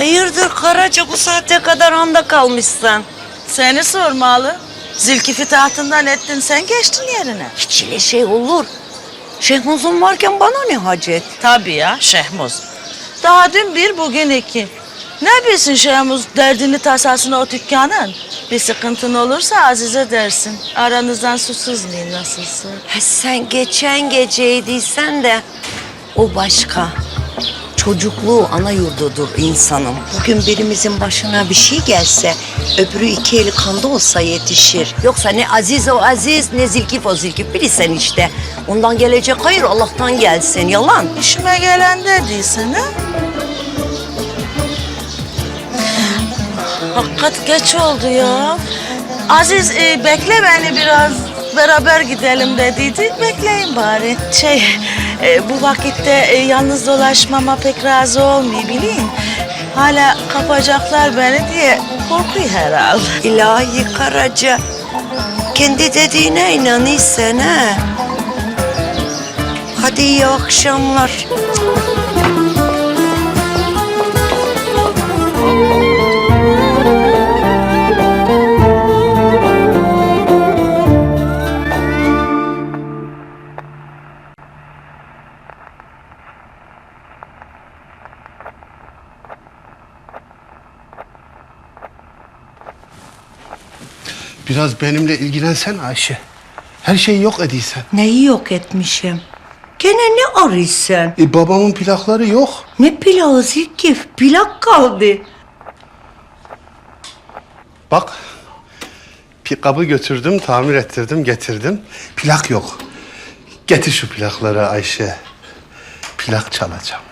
Hayırdır Karaca, bu saate kadar anda kalmışsın? Seni sormalı. Zülkif'i tahtından ettin, sen geçtin yerine. Hiç öyle şey olur. Şehmuz'un varken bana ne hacet? Tabii ya, Şehmuz. Daha dün bir, bugün iki. Ne bilsin Şehmuz derdini tasasını o dükkanın? Bir sıkıntın olursa Azize dersin. Aranızdan su sızmayın nasılsa. Ha, sen geçen geceydiysen de o başka. Çocukluğu ana yurdudur insanın. Bugün birimizin başına bir şey gelse öbürü iki eli kanda olsa yetişir. Yoksa ne Aziz o Aziz, ne Zülkif o Zülkif, bilirsen işte. Ondan gelecek hayır Allah'tan gelsin, yalan. İşime gelen dediysen ha? Hakikat geç oldu ya. Aziz bekle beni biraz, beraber gidelim dediydi. Bekleyin bari. Bu vakitte yalnız dolaşmama pek razı olmuyor bileyim. Hala kapacaklar beni diye korkuyor herhalde. İlahi Karaca, kendi dediğine inanıysan ha. Hadi iyi akşamlar. Biraz benimle ilgilensen Ayşe. Her şeyi yok ediysen. Neyi yok etmişim? Gene ne arıyorsun? Babamın plakları yok. Ne pilavı Zülkif? Plak kaldı. Bak. Pikabı götürdüm, tamir ettirdim, getirdim. Plak yok. Getir şu plakları Ayşe. Plak çalacağım.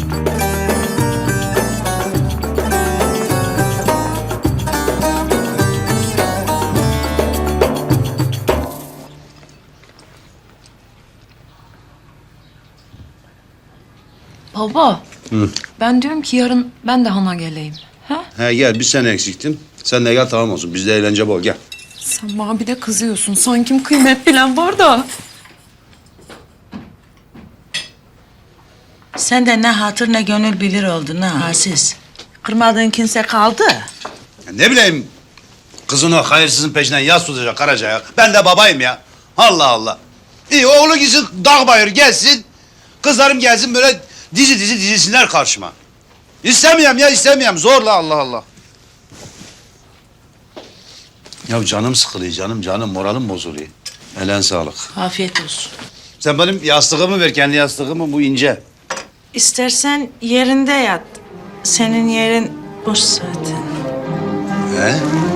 Baba, ben diyorum ki yarın ben de Han'a geleyim. Ha? He gel, bir sen eksiktin. Sen de gel, tamam olsun. Bizde eğlence bol, gel. Sen bana bir de kızıyorsun. Sanki kıymet bilen var da. Sen de ne hatır ne gönül bilir oldun ha Aziz. Kırmadığın kimse kaldı. Ya ne bileyim, kızın o hayırsızın peşinden yas tutacak Karaca'ya. Ben de babayım ya. Allah Allah. İyi, oğlu gitsin dağ bayır gelsin. Kızlarım gelsin böyle dizi dizilsinler karşıma. İstemiyorum ya, istemiyorum. Zorla, Allah Allah. Ya canım sıkılıyor, canım. Moralim bozuluyor. Elen sağlık. Afiyet olsun. Sen benim yastığımı ver, kendi yastığımı, bu ince. İstersen yerinde yat. Senin yerin boş zaten. He?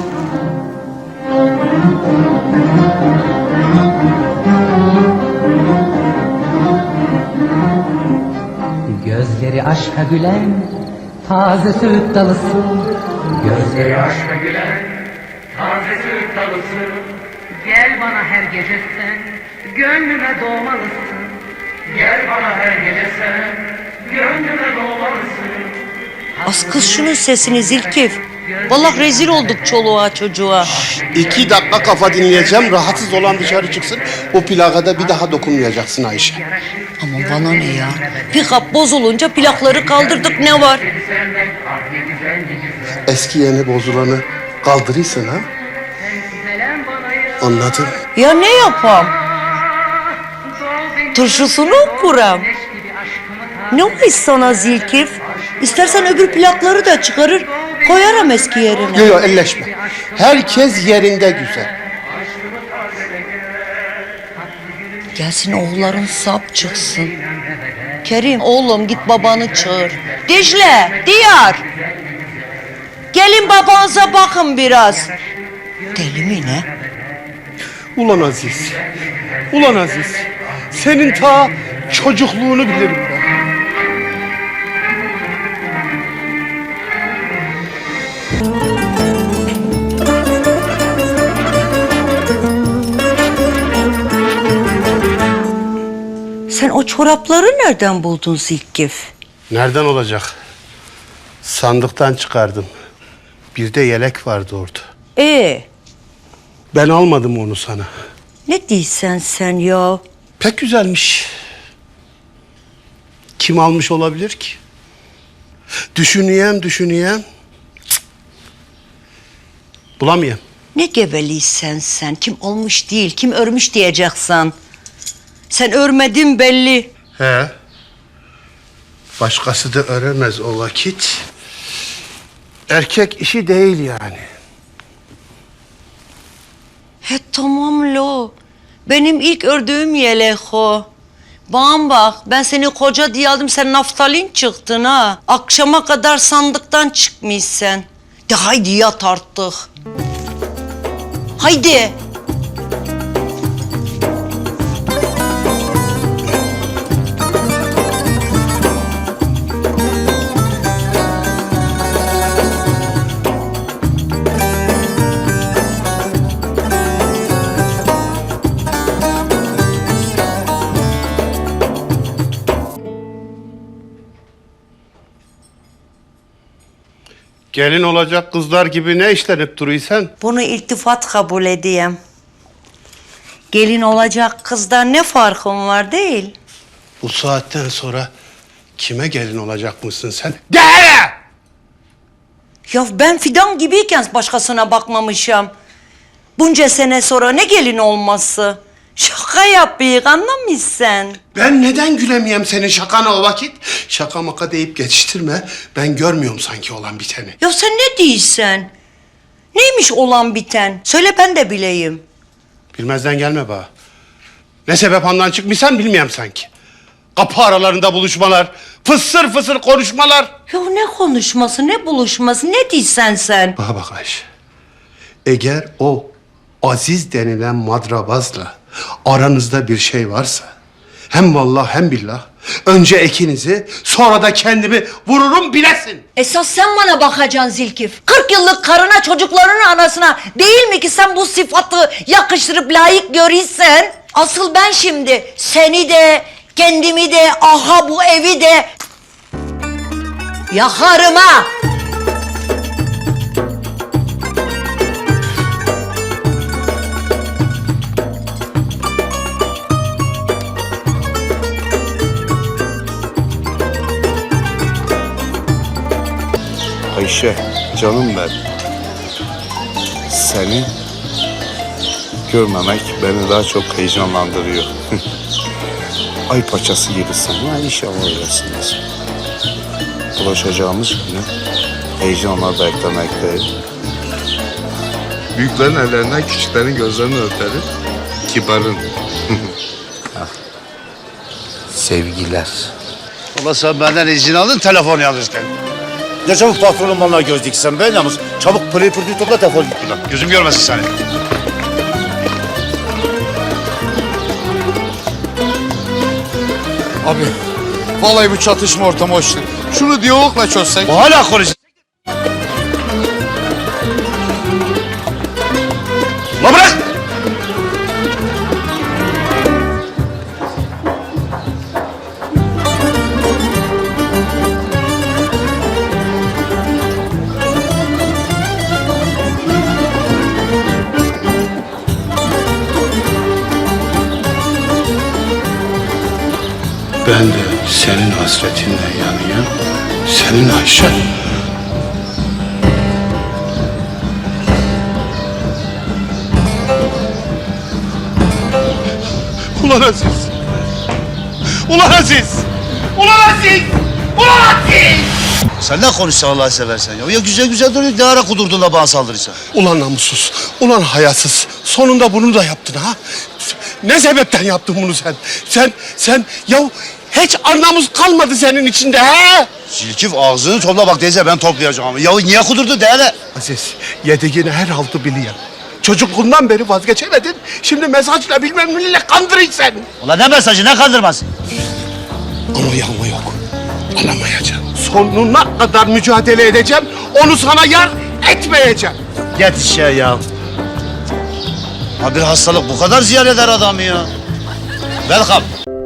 Gözleri aşka gülen taze söğüt dalısın. Gözleri aşka gülen taze söğüt dalısın. Gel bana her gece sen gönlüme doğmalısın. Gel bana her gece sen gönlüme doğmalısın. Az kız şunun sesini Zülkif. Vallahi rezil olduk çoluğa çocuğa. 2 dakika kafa dinleyeceğim. Rahatsız olan dışarı çıksın. O plaka da bir daha dokunmayacaksın Ayşe. Ama bana ne ya? Pikap bozulunca plakları kaldırdık, ne var? Eski yeni bozulanı kaldırırsın ha. Anladın? Ya ne yapam? Turşusunu kuram. Ne olmuş sana Zülkif? İstersen öbür plakları da çıkarır, koyarım eski yerine. Yok elleşme. Herkes yerinde güzel. Gelsin oğulların sap çıksın. Kerim oğlum git babanı çağır. Dicle, Diyar. Gelin babanıza bakın biraz. Deli mi ne? Ulan Aziz. Ulan Aziz. Senin ta çocukluğunu bilirim ben. Sen o çorapları nereden buldun Zülkif? Nereden olacak? Sandıktan çıkardım. Bir de yelek vardı orada. Ben almadım onu sana. Ne diyorsun sen ya? Pek güzelmiş. Kim almış olabilir ki? Düşünüyem. Cık. Bulamıyorum. Ne geveliysen sen. Kim olmuş değil, kim örmüş diyeceksin. Sen örmedin belli. He. Başkası da öremez o vakit. Erkek işi değil yani. He tamam lo. Benim ilk ördüğüm yelek o. Bana bak, ben seni koca diye aldım, sen naftalin çıktın ha. Akşama kadar sandıktan çıkmışsın. De haydi yat artık. Haydi. Gelin olacak kızlar gibi ne işlenip duruyorsun? Bunu iltifat kabul edeyim. Gelin olacak kızdan ne farkın var değil? Bu saatten sonra kime gelin olacakmışsın sen? De! Ya ben fidan gibiyken başkasına bakmamışım. Bunca sene sonra ne gelin olması? Şaka yapıyık, anlamışsın. Ben neden gülemeyeyim senin şakana o vakit? Şaka maka deyip geçiştirme. Ben görmüyorum sanki olan biteni. Ya sen ne diyorsun? Neymiş olan biten? Söyle ben de bileyim. Bilmezden gelme bana. Ne sebep ondan çıkmışsan bilmiyorum sanki. Kapı aralarında buluşmalar, fısır fısır konuşmalar. Ya ne konuşması, ne buluşması, ne diyorsun sen? Bana bak Ayşe. Eğer o Aziz denilen madrabazla aranızda bir şey varsa, hem vallahi hem billah, önce ikinizi sonra da kendimi vururum bilesin. Esas sen bana bakacaksın Zilkif. 40 yıllık karına, çocuklarının anasına değil mi ki sen bu sıfatı yakıştırıp layık görürsen? Asıl ben şimdi seni de, kendimi de, aha bu evi de yakarım ha. Ayşe, canım ben. Seni görmemek beni daha çok heyecanlandırıyor. Ay paçası gibisin. Ya inşallah öylesindir. Ulaşacağımız günü heyecanla beklemekteyim. Büyüklerin ellerinden, küçüklerin gözlerini öperim. Kibarın. Sevgiler. Ulan sen benden izin aldın telefon yalnızken. Ne çabuk patronun bana göz diksen be yalnız. Çabuk pırıyı pırtıyı topla defol git buradan. Gözüm görmesin seni. Abi, vallahi bu çatışma ortamı hoş değil. Şunu diyalogla çözsek. Hala konuşuyorsun. Ulan bırak! Ben de senin hasretinle yanıyorum. Senin Ayşe. Ulan Aziz. Ulan Aziz. Ulan Aziz. Ulan Aziz. Sen ne konuşsan Allah'ı seversen ya. Ya güzel güzel duruyor. Ne ara kudurdun da bana saldırırsan. Ulan namussuz. Ulan hayasız. Sonunda bunu da yaptın ha. Ne sebepten yaptın bunu sen? Sen ya hiç anlamız kalmadı senin içinde ha? Silkif ağzını topla bak teyze ben toplayacağım. Ya niye kudurdu de hele? Aziz, yediğini her haltı biliyorum. Çocukluğundan beri vazgeçemedin. Şimdi mesajla bilmem neyle kandırıyorsun sen. Ulan ne mesajı ne kandırması? Ama yağma yok. Alamayacağım. Sonuna kadar mücadele edeceğim. Onu sana yar etmeyeceğim. Yetiş ya. Ha bir hastalık bu kadar ziyan eder adamı ya. Welcome.